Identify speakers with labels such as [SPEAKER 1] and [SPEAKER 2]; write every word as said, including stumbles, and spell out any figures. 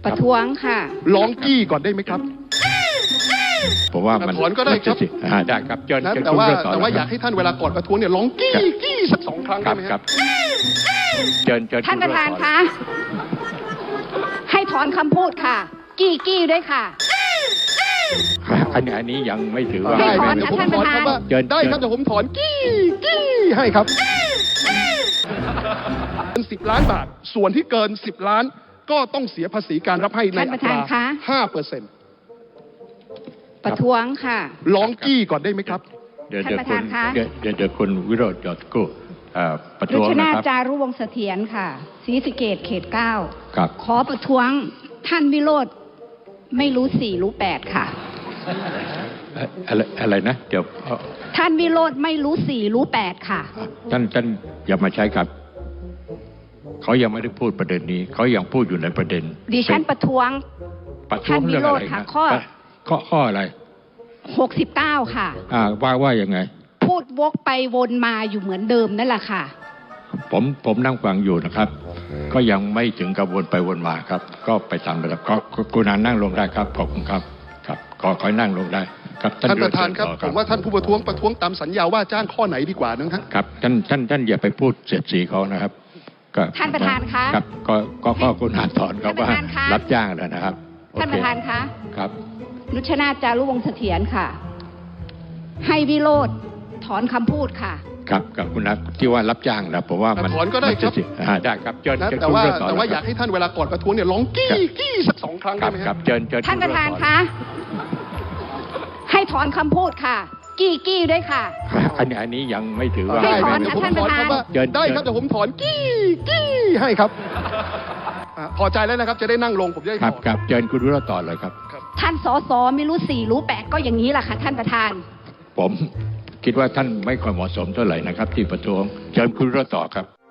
[SPEAKER 1] ประท้วงค่ะ
[SPEAKER 2] ร้องกี้ก่อนได้ไหมครับ
[SPEAKER 3] ผมว่ามัน
[SPEAKER 2] ถอนก็ได้ครับ
[SPEAKER 3] ได้ครับเชิญ
[SPEAKER 2] นะแต่ว่าแต่ว่าอยากให้ท่านเวลาก่อนประท้วงเนี่ยร้องกี้กี้สักสองครั้งได้ไหมครับ
[SPEAKER 3] เชิญเชิญ
[SPEAKER 1] ท่านประธานคะให้ถอนคำพูดค่ะ กี้กี้ด้วยค่ะ
[SPEAKER 3] อันนี้อันนี้ยังไม่ถือว่า
[SPEAKER 1] ให้ถอน
[SPEAKER 2] เดี๋ยวผม
[SPEAKER 1] ท่าน
[SPEAKER 2] ถ
[SPEAKER 1] ป
[SPEAKER 2] อน
[SPEAKER 1] ระธาน
[SPEAKER 2] คำว่าได้ครับเดี๋ยวผมถอนกี้กี้ให้ครับเป็นสิบล้านบาทส่วนที่เกินสิบล้านก็ต้องเสียภาษีการรับให้ในอัตราห้าเปอร์เซ็นต์
[SPEAKER 1] ประท้วงค่ะ
[SPEAKER 2] ร้องกี้ก่อนได้ไหมครับ
[SPEAKER 3] เดี๋ยวเดี๋ยวคุณเดี๋ยวเดี๋ยวคุณวิโรจน์หยอดกู้ประท้วงนะครับ
[SPEAKER 1] รุชนาจารุวงศ์เสถียรค่ะศรีสะเกษเขตเก้า
[SPEAKER 3] ครับ
[SPEAKER 1] ขอประท้วงท่านวิโรจน์ไม่รู้สี่รู้แปดค่ะ
[SPEAKER 3] อะไรอะไรนะเดี๋ยว
[SPEAKER 1] ท่านวิโรจน์ไม่รู้สี่รู้แปดค่ะ
[SPEAKER 3] ท่านท่านอย่ามาใช้ครับเขายังไม่ได้พูดประเด็นนี้เขายังพูดอยู่ในประเด็น
[SPEAKER 1] ดิฉันประท้วง
[SPEAKER 3] ท่านวิโรจน์ค่ะข้อข้อข้ออะไร
[SPEAKER 1] หกสิบเก้าค่ะ
[SPEAKER 3] อ่าว่าว่ายังไง
[SPEAKER 1] พูดวกไปวนมาอยู่เหมือนเดิมนั่นแหละค่ะ
[SPEAKER 3] ผมผมนั่งฟังอยู่นะครับก็ยังไม่ถึงกระวนไปวนมาครับก็ไปตามระดับก็คุณนันนั่งลงได้ครับขอบคุณครับครับขอขอนั่งลงได้ครับ
[SPEAKER 2] ท่านประธานครับผมว่าท่านผู้ประท้วงประท้วงตามสัญญาว่าจ้างข้อไหนดีกว่านะครับ
[SPEAKER 3] ครับท่านท่านท่านอย่าไปพูดเสียดสีเขานะครับ
[SPEAKER 1] ท่านประธานคะ
[SPEAKER 3] ครับก็ก็ก็คุณนันถอนเขาว่ารับจ้างแล้วนะครับ
[SPEAKER 1] ท่านประธานคะ
[SPEAKER 3] ครับ
[SPEAKER 1] นุชนาถจารุวงศ์เสถียรค่ะให้วิโรจน์ถอนคำพูดค่ะ
[SPEAKER 3] ครับกับคุณนัทที่ว่ารับจ้างนะผมว่ามัน
[SPEAKER 2] ถอนก็ได้ครับ
[SPEAKER 3] ได้ครับเชิญ
[SPEAKER 2] นะแต่ว่าแต่ว่าอยากให้ท่านเวลาก่อนประท้วงเนี่ยร้องกี้กี้สักสองครั้งได้ไหม
[SPEAKER 3] ครับเชิญเชิญ
[SPEAKER 1] ท่านประธานคะให้ถอนคำพูดค่ะ กี้กี้ด้วยค่ะ
[SPEAKER 3] อันนี้อันนี้ยังไม่ถือว่า
[SPEAKER 1] ให้ถอนค่ะท่านประธาน
[SPEAKER 2] ได้ครับเดี๋ยวผมถอนกี้กี้ให้ครับพอใจแล้วนะครับจะได้นั่งลงผมจะได้
[SPEAKER 3] ครับครับเชิญคุณวิโรจน์ต่อเลยครับ
[SPEAKER 1] ท่านสสไม่รู้สี่รู้แปดก็อย่างนี้แหละค่ะท่านประธาน
[SPEAKER 3] ผมคิดว่าท่านไม่ค่อยเหมาะสมเท่าไหร่นะครับที่ประท้วงเชิญคุณวิโรจน์ต่อครับ